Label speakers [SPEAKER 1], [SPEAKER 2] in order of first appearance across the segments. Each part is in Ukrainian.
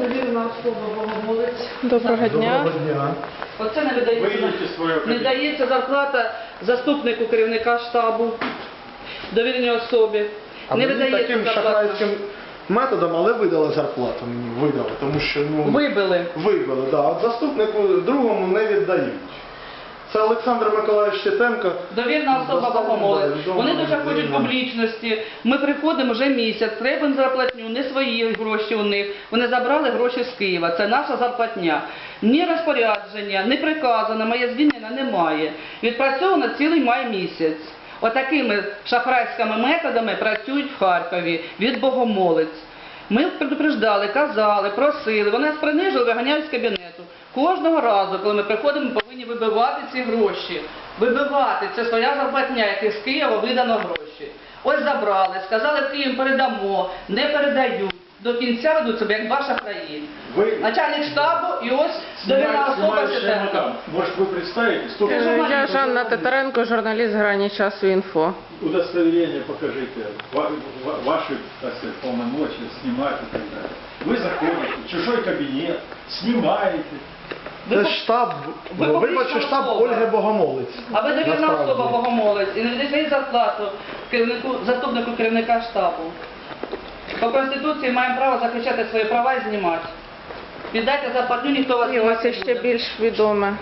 [SPEAKER 1] довірена особа Богомолець.
[SPEAKER 2] Доброго дня.
[SPEAKER 3] Доброго дня.
[SPEAKER 1] Оце не дається зарплата заступнику керівника штабу, довіреній особі.
[SPEAKER 3] А
[SPEAKER 1] Не
[SPEAKER 3] мені
[SPEAKER 1] видається
[SPEAKER 3] таким
[SPEAKER 1] зарплата.
[SPEAKER 3] шахрайським методом, але видали зарплату мені, видали, тому що,
[SPEAKER 1] Вибили.
[SPEAKER 3] вибили, да. От заступнику другому не віддають. Це Олександр Миколаївич Тітенко.
[SPEAKER 1] Довірна особа Богомолець. Вони дуже хочуть
[SPEAKER 3] людина.
[SPEAKER 1] публічності. Ми приходимо вже місяць, треба зарплатню, не свої гроші у них. Вони забрали гроші з Києва. Це наша зарплатня. Ні розпорядження, ні приказу на моє звільнення немає. Відпрацьовано цілий май місяць. Отакими шахрайськими методами працюють в Харкові від Богомолець. Ми предупреждали, казали, просили, вони нас принижили, виганяють з кабінету. Кожного разу, коли ми приходимо, ми повинні вибивати ці гроші. Вибивати, це своя зарплатня, яких з Києва видано гроші. Ось забрали, сказали, в Київ передамо, не передають. До кінця ведуть себе, як два шахраї. Начальник штабу і ось довірна особа Тітенко.
[SPEAKER 4] Может, вы представитесь?
[SPEAKER 2] Я Жанна Титаренко, журналіст «Грані часу інфо».
[SPEAKER 4] Удостоверение покажите, ваши, так сказать, полномочия, снимать и так далее. Вы заходите в чужой кабинет, снимаете.
[SPEAKER 3] Це штаб, виборчий штаб Ольги Богомолець.
[SPEAKER 1] А ви довірна
[SPEAKER 3] Насправді.
[SPEAKER 1] особа Богомолець і не даєте зарплату заступнику керівника штабу. По Конституції маємо право захищати свої права і знімати. Віддайте зарплатню, ніхто вас
[SPEAKER 2] І
[SPEAKER 1] знімати
[SPEAKER 2] ось
[SPEAKER 1] не
[SPEAKER 2] іще
[SPEAKER 1] буде.
[SPEAKER 2] більш відоме.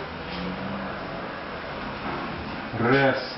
[SPEAKER 4] Преса.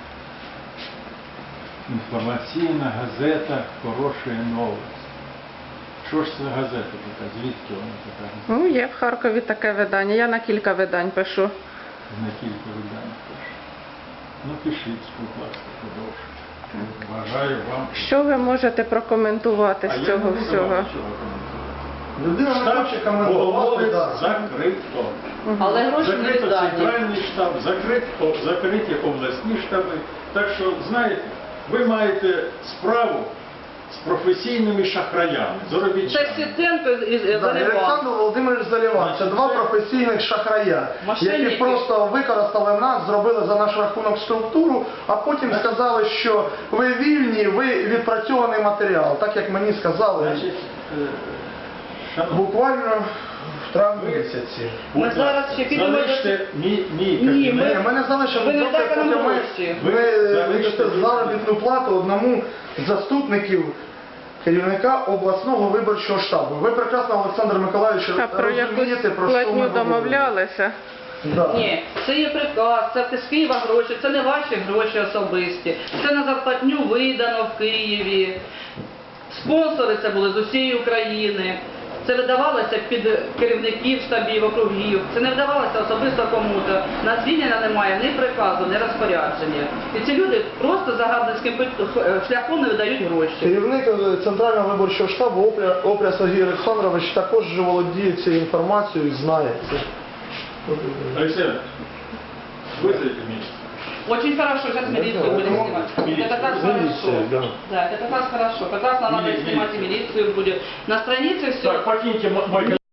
[SPEAKER 4] Інформаційна газета «Хороші новості». Що ж це газета така? Звідки вона така?
[SPEAKER 2] Ну, є в Харкові таке видання. Я на кілька видань пишу.
[SPEAKER 4] На кілька видань пише. Ну, пишіть, будь ласка, подовше. Бажаю вам.
[SPEAKER 2] Що ви можете прокоментувати
[SPEAKER 4] А
[SPEAKER 2] з
[SPEAKER 4] я
[SPEAKER 2] цього
[SPEAKER 4] не буду вам
[SPEAKER 2] всього?
[SPEAKER 4] нічого коментувати.
[SPEAKER 3] Людина не
[SPEAKER 4] Штаб
[SPEAKER 3] хоче коментувати.
[SPEAKER 4] Богомолець
[SPEAKER 3] да.
[SPEAKER 4] закрито.
[SPEAKER 1] Але гроші не
[SPEAKER 4] Закрито
[SPEAKER 1] віддані.
[SPEAKER 4] центральний штаб, закриті обласні штаби. Так що, знаєте, ви маєте справу з професійними шахраями,
[SPEAKER 1] Це
[SPEAKER 4] заробітчанами.
[SPEAKER 1] Тітенко і
[SPEAKER 3] Да, і
[SPEAKER 1] Заливан.
[SPEAKER 3] Олександр Володимирович Заливан. Це два професійних шахрая,
[SPEAKER 1] Мошенники.
[SPEAKER 3] які просто використали нас, зробили за наш рахунок структуру, а потім сказали, що ви вільні, ви відпрацьований матеріал. Так як мені сказали,
[SPEAKER 4] Значить, шановні,
[SPEAKER 3] буквально в травні місяці.
[SPEAKER 1] Ми
[SPEAKER 4] будь
[SPEAKER 1] зараз
[SPEAKER 4] ласка,
[SPEAKER 1] ще підемо
[SPEAKER 4] залиште мій
[SPEAKER 1] Ні,
[SPEAKER 4] кабінет.
[SPEAKER 3] Ні, ми не залишимо,
[SPEAKER 1] Ви не
[SPEAKER 3] доки
[SPEAKER 1] дайте нам
[SPEAKER 3] поки ми
[SPEAKER 1] гроші.
[SPEAKER 3] вирішите заробітну плату одному з заступників керівника обласного виборчого штабу. Ви прекрасно, Олександр Миколаївич,
[SPEAKER 2] А про
[SPEAKER 3] розумієте,
[SPEAKER 2] якусь
[SPEAKER 3] про що ми
[SPEAKER 2] платню
[SPEAKER 3] говоримо.
[SPEAKER 2] домовлялися?
[SPEAKER 3] Да.
[SPEAKER 1] Ні, це є приказ, це з Києва гроші, це не ваші гроші особисті. Це на зарплатню видано в Києві. Спонсори це були з усієї України. Це видавалося під керівників штабів, округів. Це не вдавалося особисто кому-то. На звільнення немає ні приказу, ні розпорядження. І ці люди просто загарбницьким шляхом не видають гроші.
[SPEAKER 3] Керівник Центрального виборчого штабу Опря Сергій Олександрович також вже володіє цією інформацією і знає це.
[SPEAKER 4] Алексей Иванович, вызовите меня.
[SPEAKER 1] Очень хорошо, сейчас милицию будем снимать.
[SPEAKER 4] Милицию.
[SPEAKER 1] Это как раз
[SPEAKER 3] Милиция,
[SPEAKER 1] хорошо.
[SPEAKER 3] да.
[SPEAKER 1] Да, это как раз хорошо. Как раз нам надо
[SPEAKER 4] Милиция.
[SPEAKER 1] снимать и милицию будет. На странице все.
[SPEAKER 4] Так, покиньте мой